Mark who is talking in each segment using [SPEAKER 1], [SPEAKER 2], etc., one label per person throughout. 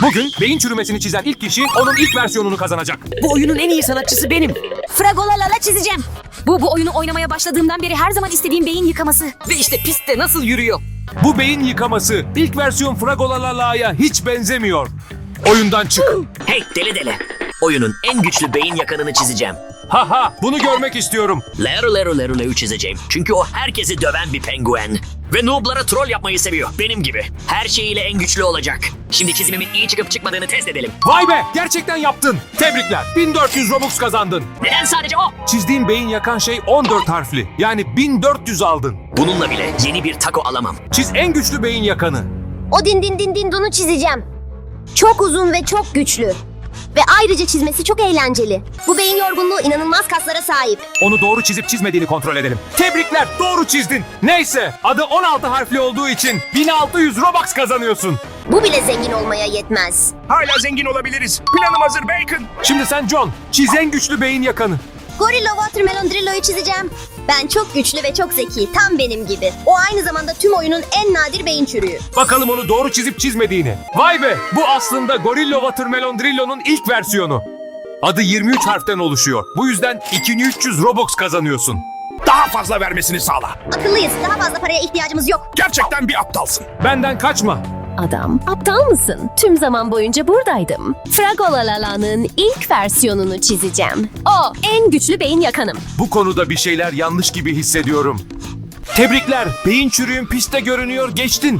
[SPEAKER 1] Bugün beyin çürümesini çizen ilk kişi onun ilk versiyonunu kazanacak.
[SPEAKER 2] Bu oyunun en iyi sanatçısı benim.
[SPEAKER 3] Fragolalala çizeceğim. Bu oyunu oynamaya başladığımdan beri her zaman istediğim beyin yıkaması.
[SPEAKER 2] Ve işte pistte nasıl yürüyor.
[SPEAKER 1] Bu beyin yıkaması ilk versiyon Fragolala'ya hiç benzemiyor. Oyundan çık.
[SPEAKER 4] Hey deli. Oyunun en güçlü beyin yakanını çizeceğim.
[SPEAKER 1] Haha, bunu görmek istiyorum.
[SPEAKER 4] Leru çizeceğim. Çünkü o herkesi döven bir penguen. Ve noob'lara troll yapmayı seviyor. Benim gibi. Her şeyiyle en güçlü olacak. Şimdi çizimimin iyi çıkıp çıkmadığını test edelim.
[SPEAKER 1] Vay be, gerçekten yaptın. Tebrikler. 1400 Robux kazandın.
[SPEAKER 4] Neden sadece o?
[SPEAKER 1] Çizdiğin beyin yakan şey 14 harfli. Yani 1400 aldın.
[SPEAKER 4] Bununla bile yeni bir taco alamam.
[SPEAKER 1] Çiz en güçlü beyin yakanı.
[SPEAKER 5] O dindunu çizeceğim. Çok uzun ve çok güçlü. Ve ayrıca çizmesi çok eğlenceli. Bu beyin yorgunluğu inanılmaz kaslara sahip.
[SPEAKER 1] Onu doğru çizip çizmediğini kontrol edelim. Tebrikler, doğru çizdin. Neyse, adı 16 harfli olduğu için 1600 Robux kazanıyorsun.
[SPEAKER 5] Bu bile zengin olmaya yetmez.
[SPEAKER 6] Hala zengin olabiliriz. Planım hazır Bacon.
[SPEAKER 1] Şimdi sen John, çiz en güçlü beyin yakanı.
[SPEAKER 5] Gorilla Watermelon Drillo'yu çizeceğim. Ben çok güçlü ve çok zeki, tam benim gibi. O aynı zamanda tüm oyunun en nadir beyin çürüğü.
[SPEAKER 1] Bakalım onu doğru çizip çizmediğini. Vay be, bu aslında Gorilla Watermelon Drillo'nun ilk versiyonu. Adı 23 harften oluşuyor. Bu yüzden 2300 Robux kazanıyorsun.
[SPEAKER 6] Daha fazla vermesini sağla.
[SPEAKER 5] Akıllıyız, daha fazla paraya ihtiyacımız yok.
[SPEAKER 6] Gerçekten bir aptalsın.
[SPEAKER 1] Benden kaçma.
[SPEAKER 7] Adam, aptal mısın? Tüm zaman boyunca buradaydım. Fragolala'nın ilk versiyonunu çizeceğim. O, en güçlü beyin yakanım.
[SPEAKER 1] Bu konuda bir şeyler yanlış gibi hissediyorum. Tebrikler, beyin çürüğün piste görünüyor, geçtin.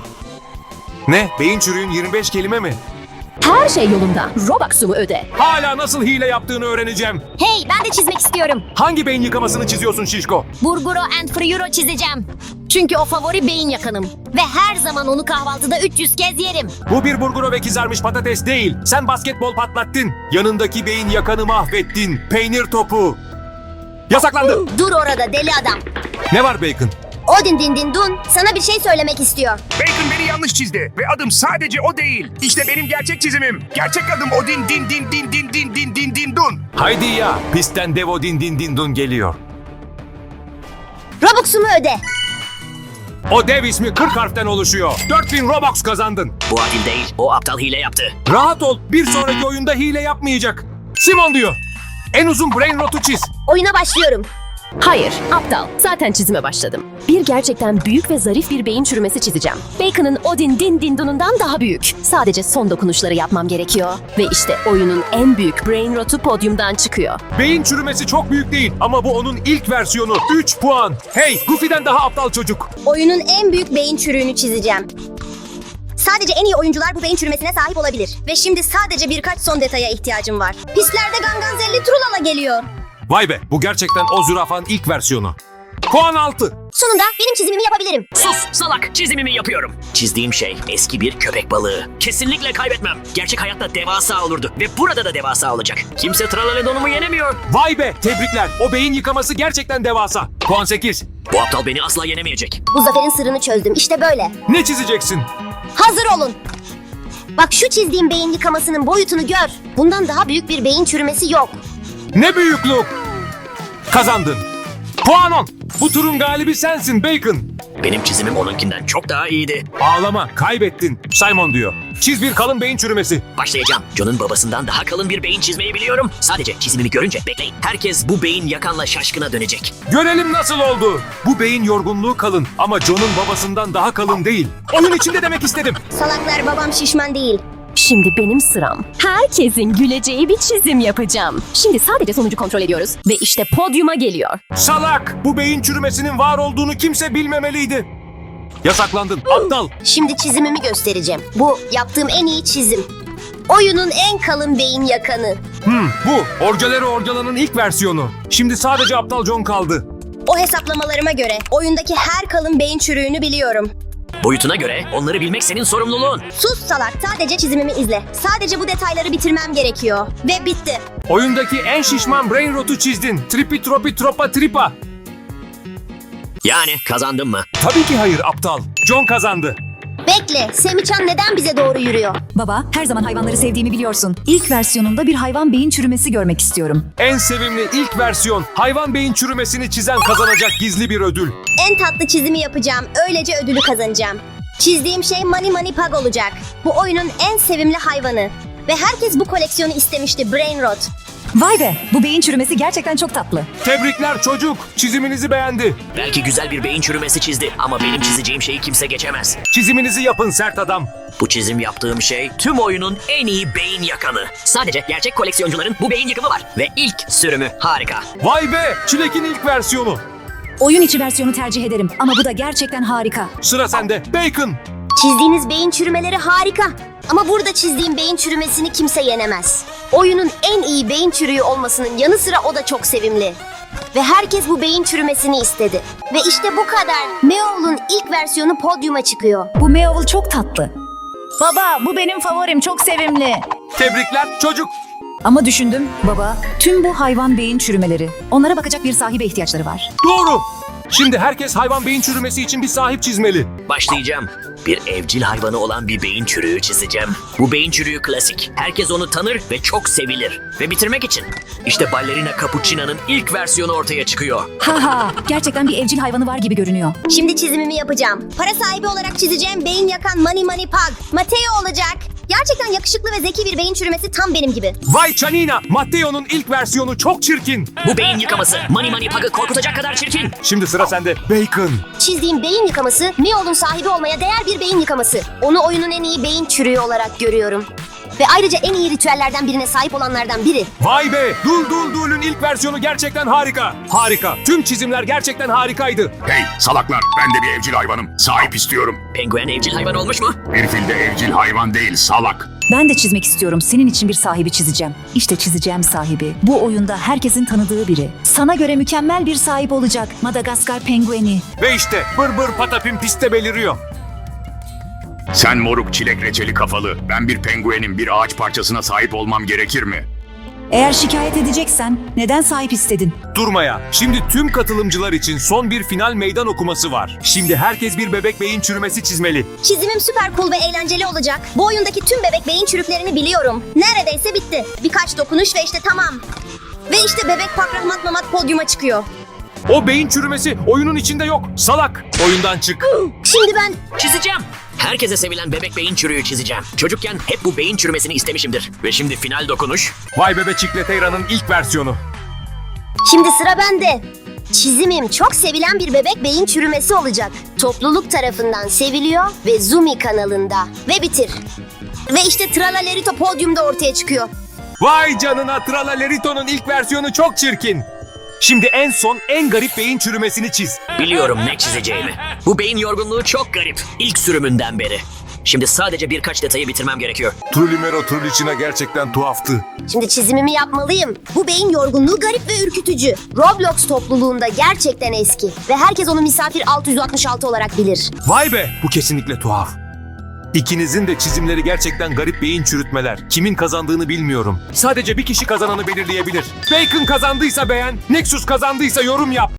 [SPEAKER 1] Ne, beyin çürüğün 25 kelime mi?
[SPEAKER 7] Her şey yolunda. Robux'umu öde.
[SPEAKER 1] Hala nasıl hile yaptığını öğreneceğim.
[SPEAKER 5] Hey, ben de çizmek istiyorum.
[SPEAKER 1] Hangi beyin yıkamasını çiziyorsun Şişko?
[SPEAKER 5] Burguro and Friuro çizeceğim. Çünkü o favori beyin yakanım. Ve her zaman onu kahvaltıda 300 kez yerim.
[SPEAKER 1] Bu bir burguro ve kızarmış patates değil. Sen basketbol patlattın. Yanındaki beyin yakanı mahvettin. Peynir topu. Yasaklandı.
[SPEAKER 5] Dur orada deli adam.
[SPEAKER 1] Ne var Bacon?
[SPEAKER 5] Odin Dun sana bir şey söylemek istiyor.
[SPEAKER 6] Bacon beni yanlış çizdi. Ve adım sadece o değil. İşte benim gerçek çizimim. Gerçek adım Odin din dun.
[SPEAKER 1] Haydi ya, pistten dev Odin din dun geliyor.
[SPEAKER 5] Robux'umu öde.
[SPEAKER 1] O dev ismi 40 harften oluşuyor. 4000 Robux kazandın.
[SPEAKER 4] Bu adil değil. O aptal hile yaptı.
[SPEAKER 1] Rahat ol, bir sonraki oyunda hile yapmayacak. Simon diyor. En uzun brain rotu çiz.
[SPEAKER 5] Oyuna başlıyorum.
[SPEAKER 7] Hayır, aptal. Zaten çizime başladım. Bir gerçekten büyük ve zarif bir beyin çürümesi çizeceğim. Bacon'ın Odin Dindun'undan daha büyük. Sadece son dokunuşları yapmam gerekiyor. Ve işte oyunun en büyük brain rotu podyumdan çıkıyor.
[SPEAKER 1] Beyin çürümesi çok büyük değil ama bu onun ilk versiyonu. 3 puan. Hey, Goofy'den daha aptal çocuk.
[SPEAKER 5] Oyunun en büyük beyin çürüğünü çizeceğim. Sadece en iyi oyuncular bu beyin çürümesine sahip olabilir. Ve şimdi sadece birkaç son detaya ihtiyacım var. Pistlerde Ganganzelli Trulala geliyor.
[SPEAKER 1] Vay be, bu gerçekten o zürafanın ilk versiyonu. Puan 6.
[SPEAKER 5] Sonunda benim çizimimi yapabilirim.
[SPEAKER 4] Sus salak, çizimimi yapıyorum. Çizdiğim şey eski bir köpek balığı. Kesinlikle kaybetmem. Gerçek hayatta devasa olurdu ve burada da devasa olacak. Kimse Tralaledonumu yenemiyor.
[SPEAKER 1] Vay be, tebrikler. O beyin yıkaması gerçekten devasa. Puan 8.
[SPEAKER 4] Bu aptal beni asla yenemeyecek.
[SPEAKER 5] Bu zaferin sırrını çözdüm. İşte böyle.
[SPEAKER 1] Ne çizeceksin?
[SPEAKER 5] Hazır olun. Bak şu çizdiğim beyin yıkamasının boyutunu gör. Bundan daha büyük bir beyin çürümesi yok.
[SPEAKER 1] Ne büyüklük. Kazandın. Puan 10. Bu turun galibi sensin Bacon.
[SPEAKER 4] Benim çizimim onunkinden çok daha iyiydi.
[SPEAKER 1] Ağlama, kaybettin. Simon diyor. Çiz bir kalın beyin çürümesi.
[SPEAKER 4] Başlayacağım. John'un babasından daha kalın bir beyin çizmeyi biliyorum. Sadece çizimimi görünce bekleyin. Herkes bu beyin yakanla şaşkına dönecek.
[SPEAKER 1] Görelim nasıl oldu. Bu beyin yorgunluğu kalın ama John'un babasından daha kalın değil. Oyun içinde demek istedim.
[SPEAKER 5] Salaklar, babam şişman değil.
[SPEAKER 7] Şimdi benim sıram. Herkesin güleceği bir çizim yapacağım. Şimdi sadece sonucu kontrol ediyoruz. Ve işte podyuma geliyor.
[SPEAKER 1] Salak! Bu beyin çürümesinin var olduğunu kimse bilmemeliydi. Yasaklandın. Aptal.
[SPEAKER 5] Şimdi çizimimi göstereceğim. Bu yaptığım en iyi çizim. Oyunun en kalın beyin yakanı.
[SPEAKER 1] Bu. Orgelero Orgela'nın ilk versiyonu. Şimdi sadece Aptal John kaldı.
[SPEAKER 5] O hesaplamalarıma göre oyundaki her kalın beyin çürüğünü biliyorum.
[SPEAKER 4] Boyutuna göre onları bilmek senin sorumluluğun.
[SPEAKER 5] Sus salak, sadece çizimimi izle. Sadece bu detayları bitirmem gerekiyor. Ve bitti.
[SPEAKER 1] Oyundaki en şişman brain rotu çizdin. Tripi tropi tropa tripa.
[SPEAKER 4] Yani kazandım mı?
[SPEAKER 1] Tabii ki hayır aptal. John kazandı.
[SPEAKER 5] Bekle, Semichan neden bize doğru yürüyor?
[SPEAKER 3] Baba, her zaman hayvanları sevdiğimi biliyorsun. İlk versiyonunda bir hayvan beyin çürümesi görmek istiyorum.
[SPEAKER 1] En sevimli ilk versiyon. Hayvan beyin çürümesini çizen kazanacak gizli bir ödül.
[SPEAKER 5] En tatlı çizimi yapacağım, öylece ödülü kazanacağım. Çizdiğim şey Mani Mani Pug olacak. Bu oyunun en sevimli hayvanı. Ve herkes bu koleksiyonu istemişti, Brain Rot.
[SPEAKER 8] Vay be, bu beyin çürümesi gerçekten çok tatlı.
[SPEAKER 1] Tebrikler çocuk. Çiziminizi beğendi.
[SPEAKER 4] Belki güzel bir beyin çürümesi çizdi ama benim çizeceğim şeyi kimse geçemez.
[SPEAKER 1] Çiziminizi yapın sert adam.
[SPEAKER 4] Bu çizim yaptığım şey tüm oyunun en iyi beyin yakanı. Sadece gerçek koleksiyoncuların bu beyin yıkımı var. Ve ilk sürümü harika.
[SPEAKER 1] Vay be! Çilek'in ilk versiyonu.
[SPEAKER 8] Oyun içi versiyonu tercih ederim ama bu da gerçekten harika.
[SPEAKER 1] Sıra sende. Bacon.
[SPEAKER 5] Çizdiğiniz beyin çürümeleri harika. Ama burada çizdiğim beyin çürümesini kimse yenemez. Oyunun en iyi beyin çürüğü olmasının yanı sıra o da çok sevimli. Ve herkes bu beyin çürümesini istedi. Ve işte bu kadar. Meowl'un ilk versiyonu podyuma çıkıyor.
[SPEAKER 8] Bu Meowl çok tatlı. Baba, bu benim favorim, çok sevimli.
[SPEAKER 1] Tebrikler çocuk.
[SPEAKER 8] Ama düşündüm, baba, tüm bu hayvan beyin çürümeleri. Onlara bakacak bir sahibe ihtiyaçları var.
[SPEAKER 1] Doğru. Şimdi herkes hayvan beyin çürümesi için bir sahip çizmeli.
[SPEAKER 4] Başlayacağım. Bir evcil hayvanı olan bir beyin çürüğü çizeceğim. Bu beyin çürüğü klasik. Herkes onu tanır ve çok sevilir. Ve bitirmek için işte ballerina Cappuccino'nun ilk versiyonu ortaya çıkıyor.
[SPEAKER 8] Haha, gerçekten bir evcil hayvanı var gibi görünüyor.
[SPEAKER 5] Şimdi çizimimi yapacağım. Para sahibi olarak çizeceğim beyin yakan Mani Mani Pug. Matteo olacak. Gerçekten yakışıklı ve zeki bir beyin çürümesi tam benim gibi.
[SPEAKER 1] Vay canina. Matteo'nun ilk versiyonu çok çirkin.
[SPEAKER 4] Bu beyin yıkaması Mani Mani Pug'ı korkutacak kadar çirkin.
[SPEAKER 1] Şimdi sıra sende. Bacon.
[SPEAKER 5] Çizdiğim beyin yıkaması, Meowl'un sahibi olmaya değer bir beyin yıkaması. Onu oyunun en iyi beyin çürüğü olarak görüyorum. Ve ayrıca en iyi ritüellerden birine sahip olanlardan biri.
[SPEAKER 1] Vay be! Dul'un ilk versiyonu gerçekten harika. Harika. Tüm çizimler gerçekten harikaydı.
[SPEAKER 6] Hey salaklar, ben de bir evcil hayvanım. Sahip istiyorum.
[SPEAKER 4] Penguen evcil hayvan olmuş mu?
[SPEAKER 6] Bir fil de evcil hayvan değil, salak.
[SPEAKER 8] Ben de çizmek istiyorum. Senin için bir sahibi çizeceğim. İşte çizeceğim sahibi. Bu oyunda herkesin tanıdığı biri. Sana göre mükemmel bir sahip olacak. Madagaskar pengueni.
[SPEAKER 1] Ve işte bır patapim piste beliriyor.
[SPEAKER 6] Sen moruk çilek reçeli kafalı. Ben bir penguenin bir ağaç parçasına sahip olmam gerekir mi?
[SPEAKER 8] Eğer şikayet edeceksen neden sahip istedin?
[SPEAKER 1] Durmaya. Şimdi tüm katılımcılar için son bir final meydan okuması var. Şimdi herkes bir bebek beyin çürümesi çizmeli.
[SPEAKER 5] Çizimim süper cool ve eğlenceli olacak. Bu oyundaki tüm bebek beyin çürüklerini biliyorum. Neredeyse bitti. Birkaç dokunuş ve işte tamam. Ve işte bebek Pakrahmat Mamat podyuma çıkıyor.
[SPEAKER 1] O beyin çürümesi oyunun içinde yok. Salak. Oyundan çık.
[SPEAKER 5] Şimdi ben
[SPEAKER 4] Çizeceğim. Herkese sevilen bebek beyin çürüğü çizeceğim. Çocukken hep bu beyin çürümesini istemişimdir. Ve şimdi final dokunuş.
[SPEAKER 1] Vay bebe Çikleteyra'nın ilk versiyonu.
[SPEAKER 5] Şimdi sıra bende. Çizimim çok sevilen bir bebek beyin çürümesi olacak. Topluluk tarafından seviliyor ve Zumi kanalında. Ve bitir. Ve işte Tralalerito podyumda ortaya çıkıyor.
[SPEAKER 1] Vay canına Tralalerito'nun ilk versiyonu çok çirkin. Şimdi en son en garip beyin çürümesini çiz.
[SPEAKER 4] Biliyorum ne çizeceğimi. Bu beyin yorgunluğu çok garip. İlk sürümünden beri. Şimdi sadece birkaç detayı bitirmem gerekiyor.
[SPEAKER 1] Trulimero Trulicina gerçekten tuhaftı.
[SPEAKER 5] Şimdi çizimimi yapmalıyım. Bu beyin yorgunluğu garip ve ürkütücü. Roblox topluluğunda gerçekten eski. Ve herkes onu Misafir 666 olarak bilir.
[SPEAKER 1] Vay be bu kesinlikle tuhaf. İkinizin de çizimleri gerçekten garip beyin çürütmeler. Kimin kazandığını bilmiyorum. Sadece bir kişi kazananı belirleyebilir. Bacon kazandıysa beğen, Nexus kazandıysa yorum yap.